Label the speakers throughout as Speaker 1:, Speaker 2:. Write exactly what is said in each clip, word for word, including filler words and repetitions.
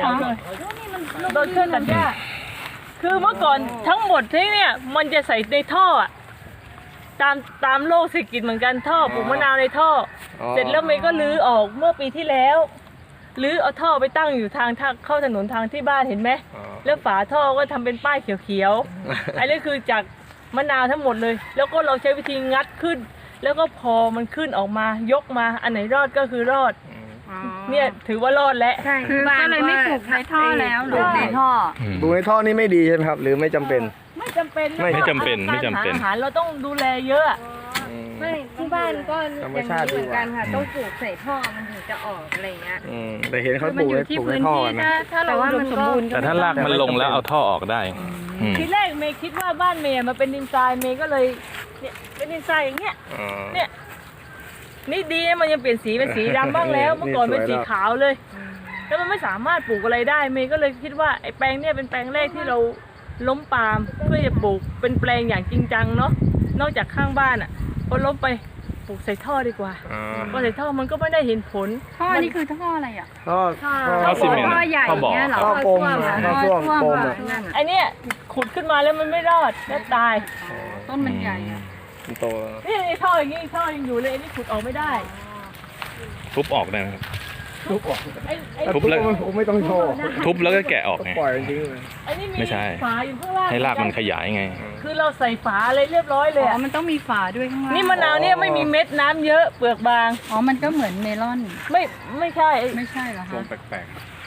Speaker 1: คะ
Speaker 2: โดนเครื่องตัดหญ้าคือเมื่อก่อนทั้งหมดที่เนี่ยมันจะใส่ในท่ออะตามตามโลกเศรษฐกิจเหมือนกันท่อปลูกมะนาวในท่อเสร็จแล้วเมย์ก็รื้อออกเมื่อปีที่แล้วรื้อเอาท่อไปตั้งอยู่ทางทางเข้าถนนทางที่บ้านเห็นไหมแล้วฝาท่อก็ทำเป็นป้ายเขียวๆอันนี้คือจากมะนาวทั้งหมดเลยแล้วก็เราใช้วิธีงัดขึ้นแล้วก็พอมันขึ้นออกมายกมาอันไหนรอดก็คือรอดเนี่ยถือว่ารอดแล้ว
Speaker 1: ใช่คือก็เลยไม่ปลูกในท่อแล้วหรือในท่อ
Speaker 3: ปลูกในท่อนี่ไม่ดีใช่ไหมครับหรือไม่จำเป็น
Speaker 2: ไม่จำเป็น
Speaker 4: ไม่จำเป็นไม่จำเป็น
Speaker 2: อาหารเราต้องดูแลเยอะ
Speaker 1: ไม่ที่บ้านก็อย่างนี้เหมือนกันค่ะต้องปลูกใส่ท่อมันถึงจะออกอะไรเงี้ย
Speaker 3: แต่เห็นเขาปลูกในปลูกในท่อนะ
Speaker 1: แต่ว่ามันสมบูรณ์
Speaker 4: แต่ถ้ารากมันลงแล้วเอาท่อออกได้
Speaker 2: ทีแรกเมย์คิดว่าบ้านเมย์มันเป็นดินทรายเมย์ก็เลยเนี่ยเป็นดินทรายอย่างเงี้ยเนี่ยนี่ดีมันยังเปลี่ยนสีเป็นสีดำบ้างแล้วเมื่อก่อนเป็นสีขาวเลยแล้วมันไม่สามารถปลูกอะไรได้เมย์ก็เลยคิดว่าไอ้แปลงเนี่ยเป็นแปลงแรกที่เราล้มปาล์มเพื่อจะปลูกเป็นแปลงอย่างจริงจังเนาะนอกจากข้างบ้านอ่ะพอล้มไปปลูกใส่ท่อดีกว่าพอใส่ท่อมันก็ไม่ได้เห็นผล
Speaker 1: ท่อนี่คือท่ออะไรอ่ะ
Speaker 3: ท่อ
Speaker 4: ท่อซีเมนต์
Speaker 1: ท่อใหญ่เนี่ยหรอ
Speaker 3: ท่อกลมท่อพ่วงกลม
Speaker 2: ไอเนี้ยขุดขึ้นมาแล้วมันไม่รอดแล้วตาย
Speaker 1: ต้นมันใหญ่
Speaker 3: โต
Speaker 2: นี่ไอท่ออย่างงี้ท่อยังอยู่เลยนี่ขุดออกไม่ได้
Speaker 4: ทุบออกได้ไหมครับ
Speaker 3: ทุบออก
Speaker 4: ทุบแล้ว
Speaker 3: ไม่ต้องโชว์
Speaker 4: ทุบแล้วก็แกะออกไง
Speaker 3: ปล่อยจริงเลย
Speaker 4: ไม่ใช่ให้รากมันขยายไง
Speaker 2: คือเราใส่ฝาอะไรเรียบร้อยเลย
Speaker 1: อ๋อมันต้องมีฝาด้วยข้างล่าง
Speaker 2: นี่มะนาวเนี่ยไม่มีเม็ดน้ำเยอะเปลือกบาง
Speaker 1: อ๋อมันก็เหมือนเมลอน
Speaker 2: ไม่ไม่ใช่
Speaker 1: ไม่ใช่เหรอคะ
Speaker 3: แปลก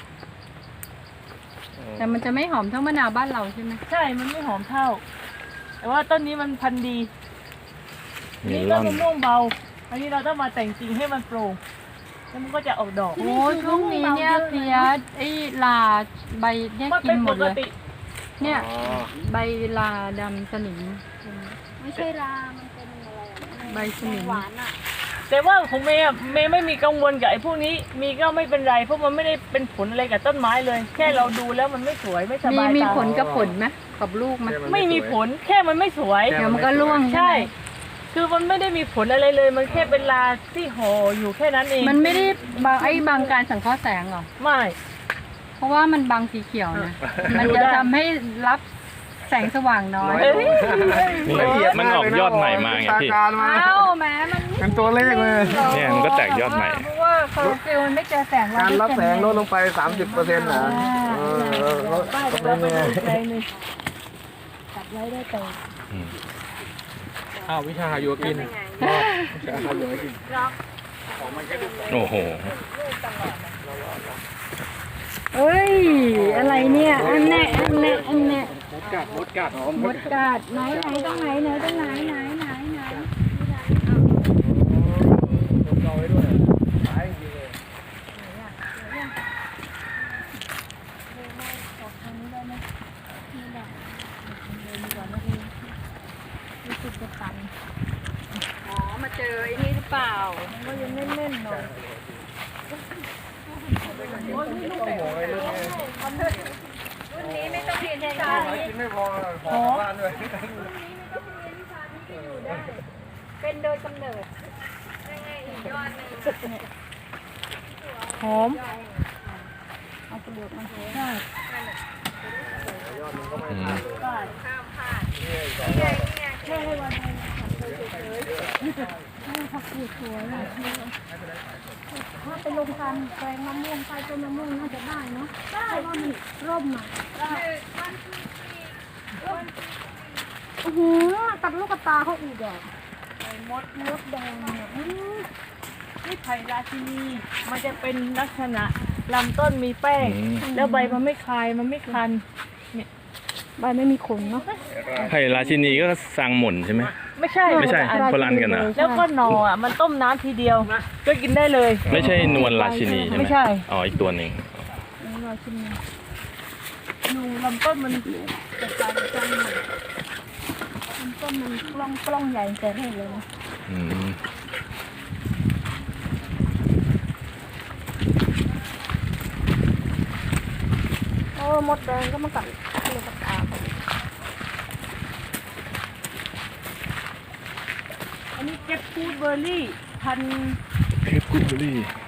Speaker 1: ๆแต่มันจะไม่หอมเท่ามะนาวบ้านเราใช่ไหม
Speaker 2: ใช่มันไม่หอมเท่าแต่ว่าต้นนี้มันพันธุ์ดีนี่ต้นมะม่วงเบาอันนี้เราต้องมาแต่งจริงให้มันโปร่งแล้วมันก็จะออกดอก
Speaker 1: โอ้ช่วงนี้เนี่ยเพียไอ้ลาใบเนี่ยกินหมดเลยเนี่ยใบลาดำสนิม
Speaker 5: ไม่ใช่ลามันเป็นอะไร
Speaker 1: ใบสนิม
Speaker 5: หวานอ่ะ
Speaker 2: แต่ว่าของเมย์เมย์ไม่มีกังวลกับไอ้พวกนี้มีก็ไม่เป็นไรเพราะมันไม่ได้เป็นผลอะไรกับต้นไม้เลยแค่เราดูแล้วมันไม่สวยไม่สบายตา
Speaker 1: มีผลกับผลไหมกับลูกไหม
Speaker 2: ไม่มีผลแค่มันไม่สวย
Speaker 1: เดี๋ยวมันก็ร่วง
Speaker 2: ใช่คือมันไม่ได้มีผลอะไรเลยมันแค่เป็นลาที่ห่ออยู่แค่นั้นเอง
Speaker 1: มันไม่ได้บางไอ้บางการสังเคราะห์แสงหรอ
Speaker 2: ไม่
Speaker 1: เพราะว่ามันบางสีเขียวนะมันจะทำให้รับแสงสว่างน้อย
Speaker 4: มันออกยอดใหม่มาไงพี่
Speaker 1: เอ้าแม้มัน
Speaker 3: เป็นตัวเลขเลย
Speaker 4: เนี่ยมันก็แตกยอดใหม่
Speaker 1: เพราะว่าคลอโรฟิลล์มันไม่เจอแสง
Speaker 3: การรับแสงลดลงไป สามสิบเปอร์เซ็นต์ นะเออก็ไม่แน่
Speaker 2: ตัดไว้ได้แต่
Speaker 3: อ้าววิชาโยกินวิชาโยกิน
Speaker 4: โอ้โห
Speaker 1: เอ้ยอะไรเนี่ยอันแน่อันแน่อันแน่
Speaker 3: มดกัดมดกัด
Speaker 1: มดกัดไหนไหนตรงไหนไหนตรงไหนไหนไหนไหน
Speaker 3: เราไว้ด้วยตายจริงเลย
Speaker 1: อ๋อมาเจอไอ้นี่หรือเปล่ามันก็ยังแน่นๆหน่อยรุ่นนี้ไม่ต้องเรียนวิชานี้
Speaker 3: ไม่พอขอบ้านด้วยรุ่นนี้ไม่ต้องเรียนวิชานี้ที่อยู่ได้
Speaker 1: เป็นโดยกำเนิดยังไงอีกยอดนึง
Speaker 2: หอม
Speaker 1: เอาเปลือกมัน
Speaker 2: ใช่
Speaker 3: ยอดมันก็ไม่
Speaker 2: พลาด
Speaker 1: ข้ามพลาดนี่ไงนี่ไง
Speaker 2: แค่ให้วันนึง
Speaker 5: ผักกูดสวยอ่ะถ้าไปลงกันแปลงมะม่วงไปต้นมะม่วงน่าจะได้เนาะได้ว่ามันร่มอ่ะโอ้โหตัดลูกตาเขาอีกอ่ะ
Speaker 2: มดมดแดงเนี่ยนี่ไผ่ราชินีมันจะเป็นลักษณะลำต้นมีแป้งแล้วใบมันไม่คายมันไม่คันเนี่ย
Speaker 5: ใบไม่มีขนเนาะ
Speaker 4: ไผ่ราชินีก็สร้างหม่นใช่ไหม
Speaker 2: ไม่ใช่
Speaker 4: ไม่ใช่คนละอันกันนะ
Speaker 2: แล้วก็หน่ออ่ะมันต้มน้ำทีเดียวก็กินได้เลย
Speaker 4: ไม่ใช่นวลราชินีใช่ไหม
Speaker 2: ไม่ใช่
Speaker 4: อ๋ออีกตัวหนึ่ง
Speaker 2: ราชินีนูลำต้นมันจะกลายเป็นจังเลยลำต้นมันกล้องกล้องใหญ่แต่ให้เลย
Speaker 4: อืม
Speaker 5: โอ้มดแดงก็มากัดเลยกัดตา
Speaker 2: อันนี้เก็บฟูดเบอร์รี่พัน
Speaker 4: เก็บฟูดเบอร์รี่